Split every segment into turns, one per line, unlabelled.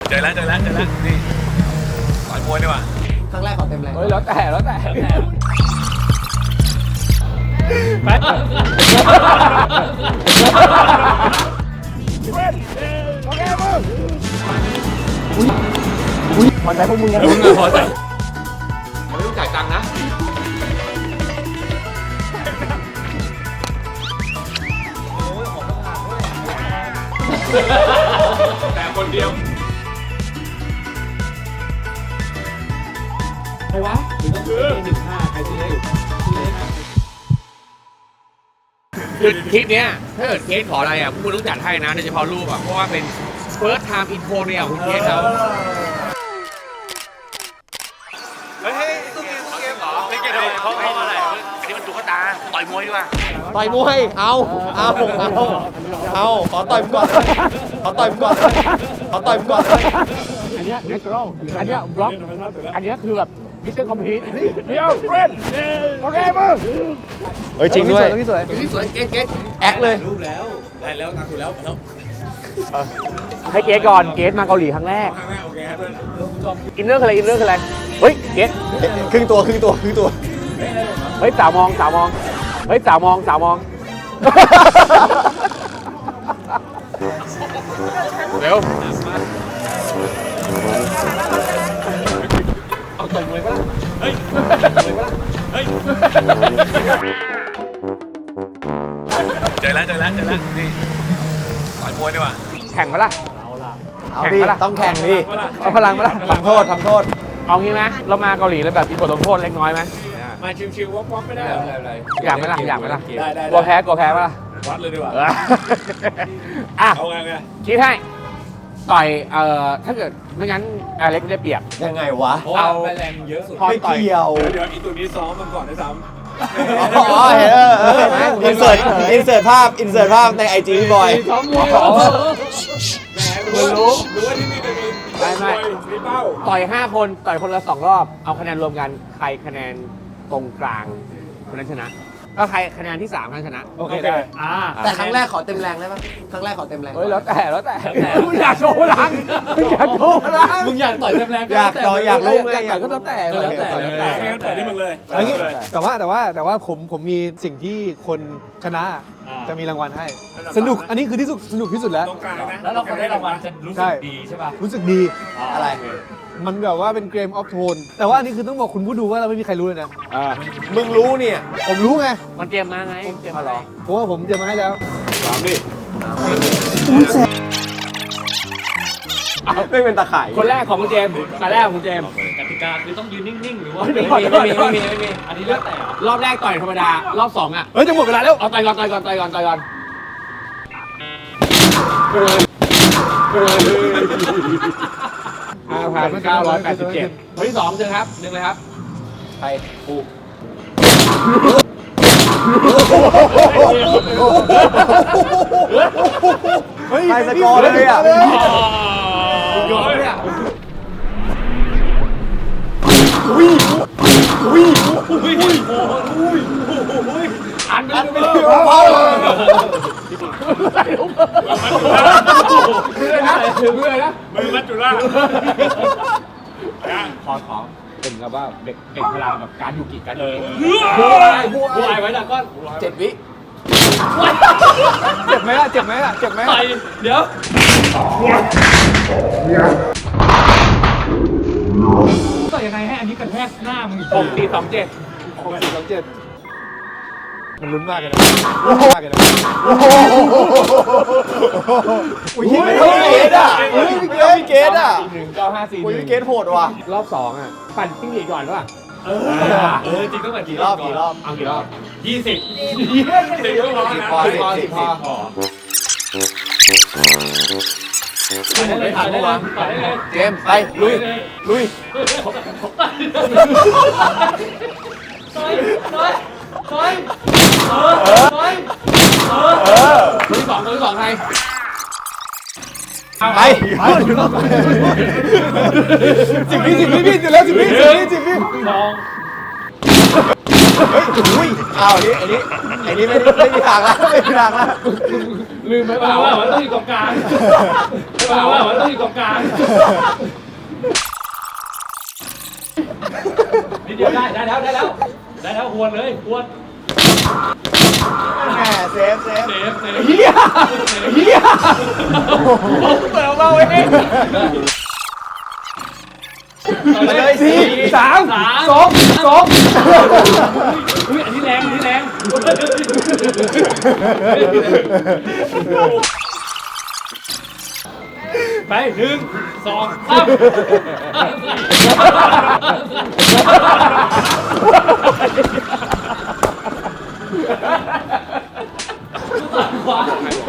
เจอแล้วนี่ต่อยมวยดีกว่า
ครั้งแรกขอเต็มแรง
เฮ้ยแล้วแต่ไปโอเคมึงอุ้ยพอใจพวกมึงนะมึงพอใจไม่ต้องจ่ายตังค์นะแต่คนเดียวใครวะหรือต้องคือ15ใครซื้อได้อยู่คือคลิปเนี้ยถ้าเกิดเคสขออะไรอ่ะพวกคุณต้องจัดให้นะโดยเฉพาะรูปอ่ะเพราะว่าเป็น first time intro เนี่ยคุณเคสเขาเฮ้ยตู้เกมเหรอเล่นเกมเขาอะไรอันนี้มันตุ๊กตาต่อยมวยดีกว่า
ต่อยมวยเอาขอต่อยก่อนขอต่อยก่อน
อันเนี้ย natural อันเนี้ย block อันเนี้ยคือแบบมิสเตอร์คอมพิวต์เดี๋ยวเฟรนโอเคมึง
เฮ้ยจริงด้วย
สวยเกต
แอคเลย
รูปแล้วได้แล้วตัดถูกแล้ว
ให้เกตก่อนเกตมาเกาหลีครั้งแรก
โอเคครับ
อินเนอร์คืออะไรเฮ้ยเกต
ครึ่งตัวเ
ฮ้ยสาวมองเฮ้ยสาวมองเร็วเอาตรงเลยป่ะเฮ้ย
เจอแล้วนี่ต่อยมวยดีกว่า
แข่งปะล่ะ
เอาดิต้องแข่งดิ
เอาพลังปะล่ะ
ทำโทษ
เอางี้ไหมเรามาเกาหลีแล้วแบบมีบทลงโทษเล็กน้อยไหม
มาชิวๆวอกไม่ได้
อยากไหมล่ะกลัวแพ้ปะล่ะ
วัดเลยดีกว่าเอาไง
คิดให้ต่อยถ้าเกิดไม่งั้นอเล็กได้เปรียบ
ยังไงวะ
เอาแรงเยอะสุด
ไม่เกี่ยว
เดี๋ยวอีตัวนี้ซ้อมมันก่อนได้ซ้ำ
อ๋อเห็นอินเสิร์ตภาพในไอจีพี่บอย
ซ้อมมวยรู้
ว่าที่นี่จะมีเป้า
ต่อย5คนต่อยคนละ2รอบเอาคะแนนรวมกันใครคะแนนตรงกลางคนนั้นชนะก็ใครคะแนนที่3คนชนะ
โอเคได้
แต่ครั้งแรกขอเต็มแรงได้ปะครั้งแรกขอเต็มแรง
เฮ้ยแล้วแต่มึงอยากโชว์พลังมึงอยาก
ต่อยเต็มแรง
อยากรู้ไง
อยากก็แล้วแต่
ต่อยที่มึงเลย
แต่ว่าผมมีสิ่งที่คนชนะจะมีรางวัลให้สนุกอันนี้คือที่สุดสนุกที่สุดแล้ว
แล้วเราคนได้รางวัลจะรู้สึกดีใช่ป่ะ
รู้สึกดี
อะไร
มันแบบว่าเป็นเกมออฟโทนแต่ว่าอันนี้คือต้องบอกคุณผู้ดูว่าเราไม่มีใครรู้เลยนะ
มึงรู้เนี่ย
ผมรู้ไง
มันเตรียมมาไงเตรียมมาหรอ
เพราะว่าผมเตรียมมาให้แล้ว
ดิ
ไม่เป็นตะข่าย
คนแรกของคุณเจมส์คนแรกของคุณเจมส์
กติกาคือต้องยืนนิ่งๆหรือว่า
ไม่มีอันนี้เลือกแต่รอบแรกต่อยธรรมดารอบ2อ่ะ
เฮ้ยจะหมดเวลาแล้ว
เอาต่อยก่อน5,987คนที่2เจอครับ1เลยครับ
ใครกูใครสกอร์เลยอ่ะ
ยอดเลยอ่ะอันไปเลยเพื่อนนะ
มือมัจจุราช
ของเป็นกับว่าเด็กพลังแบบการยูกิกันบัวไว้นะก็
7 วิ
เจ็บไหมล่ะ
ต่อยเดี๋ยวต่อยยังไงให้อันนี้กระแทกหน้ามึง
6427มันลุ้นมากเลยนะ
อุ้ยพี่เกดอ่ะพี่เกดโหดว่ะ
รอบ2อ่ะปั่นติ้งหลีก่อนว่ะ
จริงต้องแบบ
กี่รอบ
เอากี่รอบ
20ก็ร้อนนะ
พอเจมไปลุย
คนที่สองใคร
ไป10 วิพี่เสร็จแล้ว10 วิ
ลอง
อุ้ยเอาอันนี้ไอ้นี่ไม่มีทางละไม่มีทางละ
ลืมไหมเปล่าว่ามันต้องอยู่ตรงกลางเปล่าว่ามันต้องอยู่ตรงกลางนิดเดียวได้แล้วหวนเลยหวน
แหมเซฟ
เฮียเปิดเราเอง
มาเลยสิ
3 2 อุ้ยอันนี้แรงไป1 2 3ขวา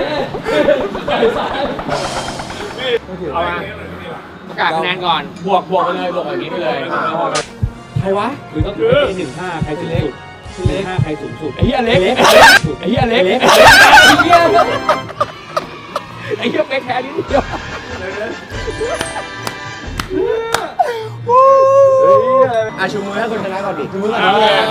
เอามาประกาศคะแนนก่อนบวกไปเลยบวกอย่างนี้ไปเลยใครวะหรือต้อง1-5ใครสูงสุด1-5ใครสูงสุดไอ้เหี้ยเล็กไอ้เหี้ยเป๊กแค่นี้เดียว
ชูมือให้คนชนะก่อนดิชูมือก่อน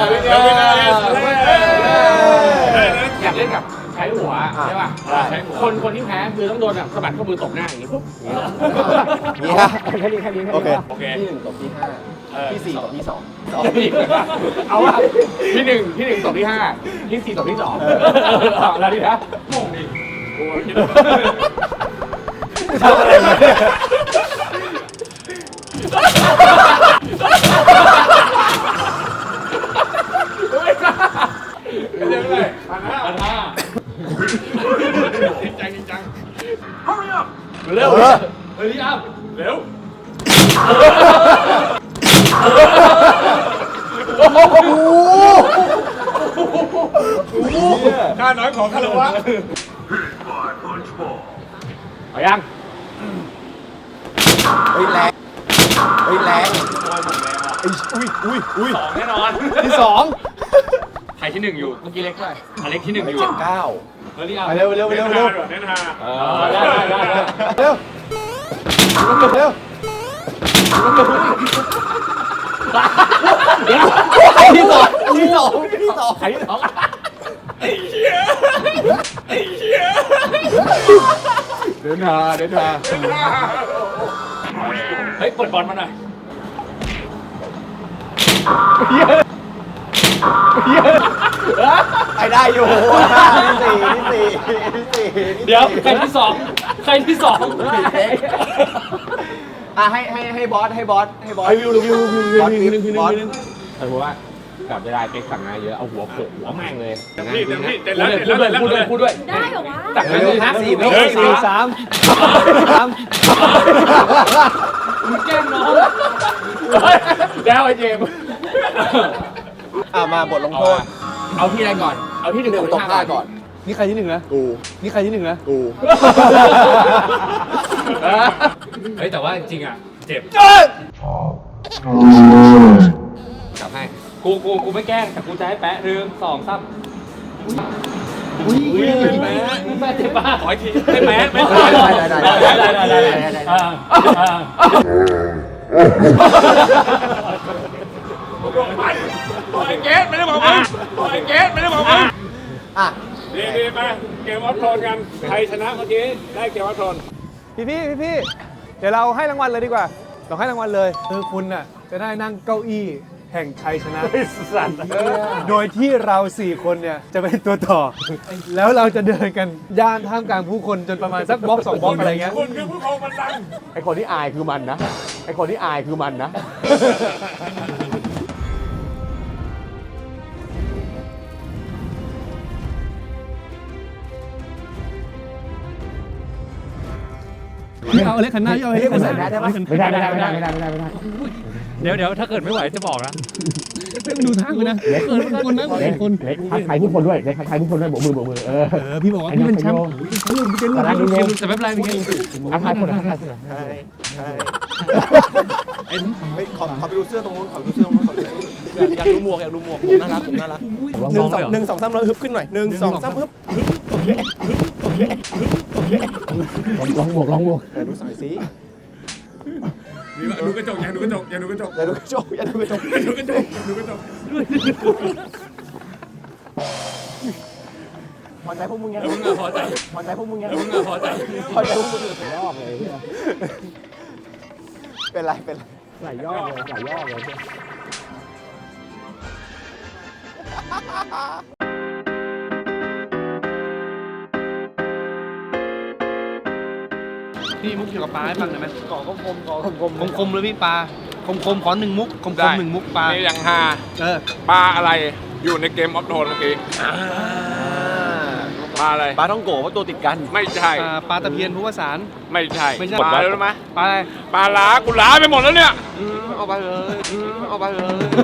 อยากเล่นกับใช้หัวใช่ป่ะคนที่แพ้คือต้องโดนแบบสะบัดข้อมือตบหน้าอย่างนี้ปุ๊บแค่นี้โอเค
ที่1ตบที่5ที่4ตบที่2
เอาว่าที่1ตบที่5ที่4ตบที่2แล้วดินะงงดิ
ทำอะไรมาเนี่ย
เร็วเลย1,500จริงจังเร็วเร็ว
ค่าน้อยของคารวะ
เอายัง
แรง
อุ้ย2แน่นอน
ที่2
ใครที่1อยู่เมื่อกี้เล็กด้วยอเล็กที่1อยู่
9
เร็ว
เร็ว
เน้นฮา
ได้
เร็วที่2
ใครที่2
ไอ้เหี้ย
เดินหาเฮ้ยเปิดบอลมาหน่อย
ไปได้อยู่ที่4
เดี๋ยวใครที่2
ให้บอส
วิวผมว่ากับจะได้เป๊กสั่งงานเยอะเอาหัวโขกหัวแม่งเลย
พี่เต็มแล้ว
พูดด้วย
ได้เหรอวะ
สั่งงานเลยนะ4 มึงแกล้งน้องแล้วไอ้เจม
มาบทลงโทษ
เอาที่อะไรก่อนเอาที่1
ตกผ้าก่อน
นี่ใครที่1นะ
กู
นี่ใครที่1นะ
กู
เฮ้ยแต่ว่าจริงอ่ะเจ็บ
กลับให้
กูไม่แกล้งแต่กูจะให้แปะ1 2 3แม่เจ็บป่ะขออีกทีให้แปะไม่ได้ปล่อยเกสไม่ได้บอกมึงดีไปเกมวัดโทนกันใครชนะเมื่อกี้ได้เกมวัดโทน
พี่เดี๋ยวเราให้รางวัลเลยดีกว่าเราให้รางวัลเลยคือคุณน่ะจะได้นั่งเก้าอี้แห่งชัยชนะโดยที่เรา4คนเนี่ยจะเป็นตัวต่อแล้วเราจะเดินกันย่านท่ามกลางผู้คนจนประมาณสักบล็อก2บล็อกอะไรเงี้ย
คุณคือผู้ครองบัลลังก์
ไอคนที่อายคือมันนะ
เอาเล็กขันหน้าเอาเล็กขันหน้า
ไม่ได้
เดี๋ยวถ้าเกิดไม่ไหวจะบอกนะ
ดูทางกูนะเกินคนนะคน
เล็กทักทายผู้คนด้วยโบกมือ
พี่บอกว่าพี่เป็นแชมป์พี่เป็นลูก
แต่ไม่เป็นไรพี่เกม
ทักทายคน
ขอไปดูเสื้อตรงนู้นอยากดูหมวกน่ารัก1 2 3แล้วฮึบขึ้นหน่อย1 2 3ฮึบโอเค
ลองบวก
ดูสายสี
ดูกระจกอย่าดูกระจก
อย่าดูกระจกพอใจพวกมึงยัง
มึงอะพอใจ
พอใจพวกมึงยัง
มึงอะพอใจ
พอใจพวกมึงรอบเลยเป็นไรเป็นไรหลายยอดเลยหลายยอดเลย
พี่มุกเกี่ยวกับปลาให้ฟังได้ไหม
ก่อคมก่อคม
คมๆเลยพี่ปลาคมๆขอหนึ่งมุกคมๆหนึ่งมุกปลา
นี่ยังฮา
เออ
ปลาอะไรอยู่ในเกมออฟโทนเมื่อกี้ปลาอะไร
ปลาท่องโกะเพราะตัวติดกัน
ไม่ใช่
ปลาตะเพียนผู้วสาร
ไม่ใช่
ไม่ใช่
ปลาอะไรรู้ไหม
ปลาอะไร
ปลาล้ากูล้าไปหมดแล้วเนี่ย
เอาไปเลยเอาไปเลย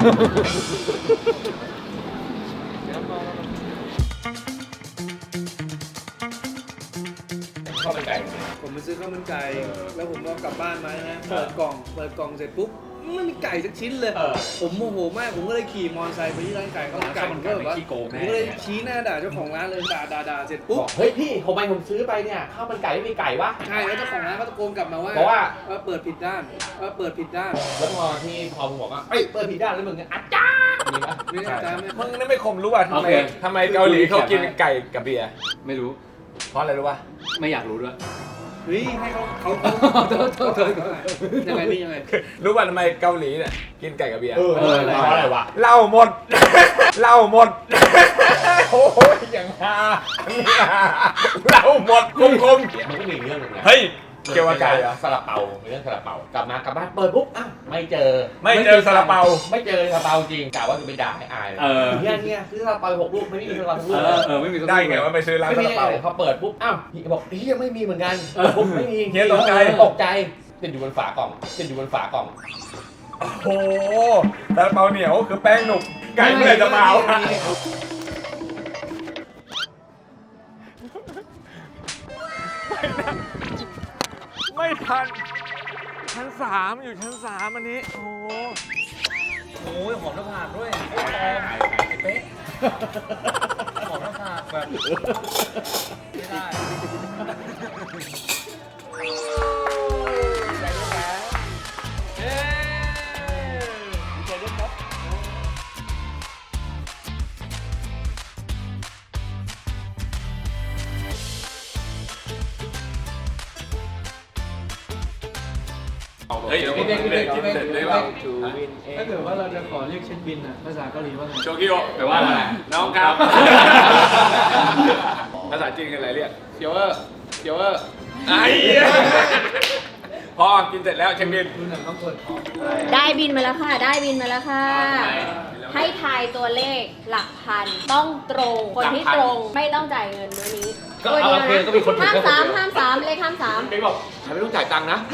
ผมไปซื้อข้าวมันไก่ แล้วผมก็กลับบ้านมานะเปิดกล่องเสร็จปุ๊บไม่มีไก่สักชิ้นเลย ผมโมโหมาก ผมก็เลยขี่มอเตอร์ไซค์ไปที่ร้านไก่ข้าวมันไก่ผมก็แบบว่าผมก็เลยชี้หน้าด่าเจ้าของร้านเลยด่าเสร็จปุ๊บ
เฮ้ยพี่ผมซื้อไปเนี่ยข้าวมันไก่ไม่มีไก่วะ
ใช่แล้วเจ้าของร้านก็ตะโกนกลับมาว่า
เพราะว่า
เปิดผิดด้านเปิดผิดด้าน
แล้วพอมึงบอกว่าเอ้ยเปิดผิดด้านแล้วมึงอาจารย์มีปะ
ไม่ได้ตามไม่
มึงนี่ไม่คมรู้ป่ะทำไม
โอเค
ทำไมเกาหลีเขากินไก่กับเบียร์
ไม่รู้
เพราะอะไรรู้ป่ะ
ไม่อยากรู้ด้วย
เฮ้ยให้เขายังไงนี่ยังไง
รู้ป่ะทำไมเกาหลีเนี่ยกินไก่กับเบียร์
เพราะอะไรวะ
เหล้าหมด เหล้าหมด โอ้ยอย่างฮาเหล้าหมดคุ้ม
มันก็มีเรื่องหนึงนะ
เฮ้ยเกี่ยวกับไก่เหรอ
ซาลาเปามีเรื่องซาลาเปากลับบ้านเปิดปุ๊บอ้าวไม่เจอ
ไม่เจอซาลาเปา
ไม่เจอซาลาเปาจริงกะว่าจะไปด่าให้อายเนี่ยซื้อซาลาเปา6 ลูกไม่มีซาลาเปาทุกลูก
ไม่มี
ได้ไงว่าไปซื้อร้าน
ไม่
ซา
มี
ลาเปา
พอเปิดปุ๊บอ้าวพี่บอกเฮียไม่มีเหมือนกันปุ๊บไม่มี
เฮียตกใจ
ตกใจติดอยู่บนฝากล่อง
โอ้โหซาลาเปาเหนียวคือแป้งหนุกไก่เมื่อไหร่จะมาเอาอะไม่ทันชั้น3อยู่ชั้น3อันนี้โอ้โห
โอ้ยหอมน้ำผากด้วยเป๊ะหอมน้ำผากแบบไม่ได้
เฮ้ยกินเสร็จเลยว่า
ถ้าเกิดว่าเราจะขอเรียกเช็คบินอ่ะภาษาเกาหลีว่าไง
โชคิโอแปลว่าอะไรน้องครับ ภาษาจีนกันอะไรเรียกเดี๋ยวไอ้พอกินเสร็จแล้วเช็คบิน
ได้บินมาแล้วค่ะ ได้บินมาแล้วค่ะ ให้ทายตัวเลขหลักพัน ต้องตรง คนที่ตรงไม่ต้องจ่ายเงินมื้อนี้
ก็
ตัว
เอา
เดียว
โอเคก็มีคน
นะ
ถูก
ห้าม
ก็คน
สาม
เดียว
เลขห้ามสาม
ไม่บอกใครไม่ต้องจ่ายตังค์นะ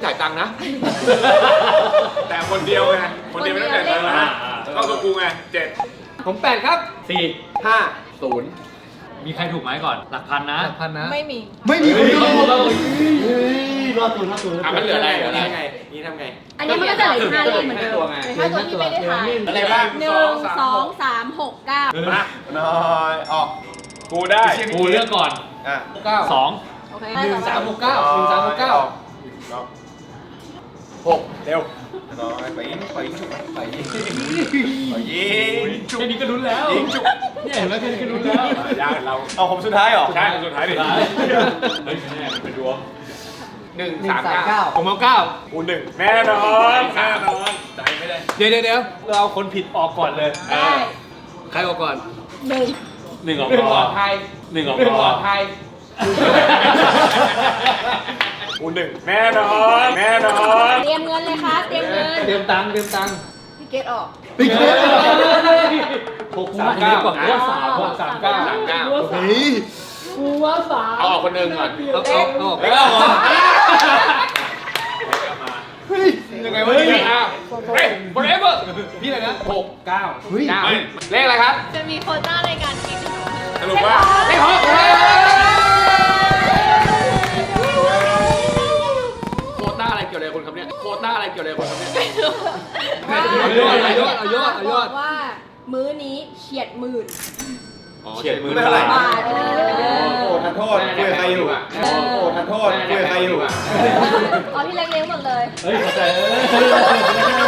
แต่คนเดียวไงคนเดียวไม่ต้องจ่ายตังค์นะก็คือกูไง7
ผม8ครับ4 5 0
มีใครถูกไหมก่อน หลักพันนะ
พันนะ
ไม่มี
ไม่มีคนถูก
อ่ะมันเหลืออะไรไงนี่ทำไง
อันนี้มันก็จะเหลือ5เลขเหมือนเดิมเหลือ5ตัวที่ไม่ได้ทาย
อะไรบ้าง
1 2 3 6 9
มาน้อยออกกูได้
กูเลือกก่อน
อ่ะ
2
โอเค
6เร็วน้อยไปยิงฉุกไปยิงฉุก
แค่นี้ก็รุ้นแล้ว
ยิงฉุก
เนี่ยเห็นไหมแค่นี้ก็รุ้นแล้ว
ยากเรา
เอาผมสุดท้ายเหรอ
ใช่สุดท้ายดิ
เฮ้ยแน่มันเป็นดวง
1 3 9
ผมเอา9
กู1แน่นอนใจไม่ได้
เดี๋ยวเราเอาคนผิดออกก่อนเลย
ได้
ใครออกก่อน
1
1 ออก
1
ก่
ปล
อ
อน ดภัย
1 ออก
1ป
ก่
ล
อ
อน ดภัย
กู1แน่นอน
เตรียมเงินเลยค่ะ เตรียมเงิน
เตรียมตังค์
พี่เกตออก
ปิ๊กเลย639
กว่าว่าสาม
639 เฮ้ยกูว่า3เอาออกคนหนึ่งก่อนเอาออก
แล้วก็หมด
ยังไงวะเนี่ยเฮ้ย forever พี่อะไรนะ6 9 9เลขอะไรครับ
จะมีโควต้าในการกิน
สรุปว่า
เลข6โควต้าอะไรเกี่ยวอะไรคนครับเนี่ยโควต้าอะไรเกี่ยวอะไรคนครับเนี่ย เอายอด
บอกว่ามื้อนี้เฉียดหมื่น
เฉียดมือเท่าไหร่
บาท
โอ้ทันโทษคุยกับใครอยู่โอ้ทันโทษคุยกับใครอยู่
เอาพี่เล็กเลี้ยงหมดเลย
เฮ้ยเข้าใจ